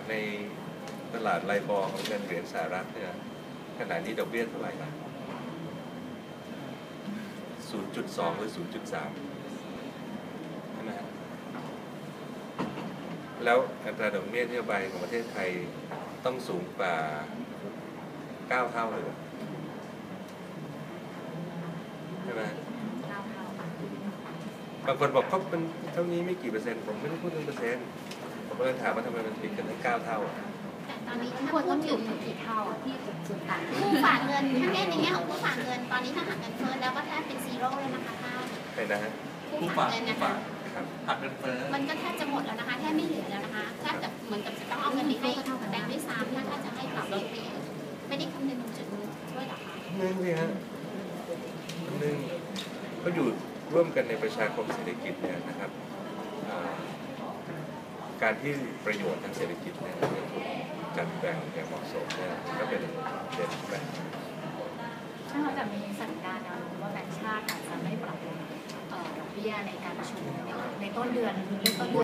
ในตลาดไลบอร์ของเงินเหรียญสหรัฐเนี่ยขณะนี้ดอกเบี้ยเท่าไหร่ครับ 0.2 หรือ 0.3 ใช่ไหมครับแล้วอัตราดอกเบี้ยนโยบายของประเทศไทยต้องสูงกว่า 9 เท่าเลยใช่ไหมบางคนบอกเขาเป็นเท่านี้ไม่กี่เปอร์เซ็นต์ผมไม่ได้พูดถึงเปอร์เซ็นต์ผมเลยถามว่าทำไมมันติดกันถึง9 เท่าแต่ตอนนี้ถ้าควรพูต้อดงอถึยู่งกี่เท่าที่จุดต่างผู้ฝากเงินถ้าแง่ในแง่ของผู้ฝากเงินตอนนี้ถ้าหักเงินเฟ้อแล้วก็แทบเป็นซีโร่เลยนะคะท่านใช่นะฮะผู้ฝากเงินนะคะครับหักเงินเฟ้อมันก็แทบจะหมดแล้วนะคะแทบไม่เหลือแล้วนะคะแทบจะเหมือนกับจะต้องเอาเงินไปให้แบงค์ด้วยซ้ำถ้าจะให้ปรับลดไปไม่ได้คำนึงถึงจุดนี้ด้วยหรอคะนึงสิฮะนึงก็อยู่ร่วมกันในประชาคมเศรษฐกิจเนี่ยนะครับการที่ประโยชน์ทางเศรษฐกิจเนี่ยถูกจัดแบ่งอย่างเหมาะสมเนี่ยก็เป็นเด่นแบบๆถ้าเราจะมีสัญญาณนะว่าแบงก์ชาติอาจจะไม่ปรับดอกเบี้ยในการประชุมในต้นเดือน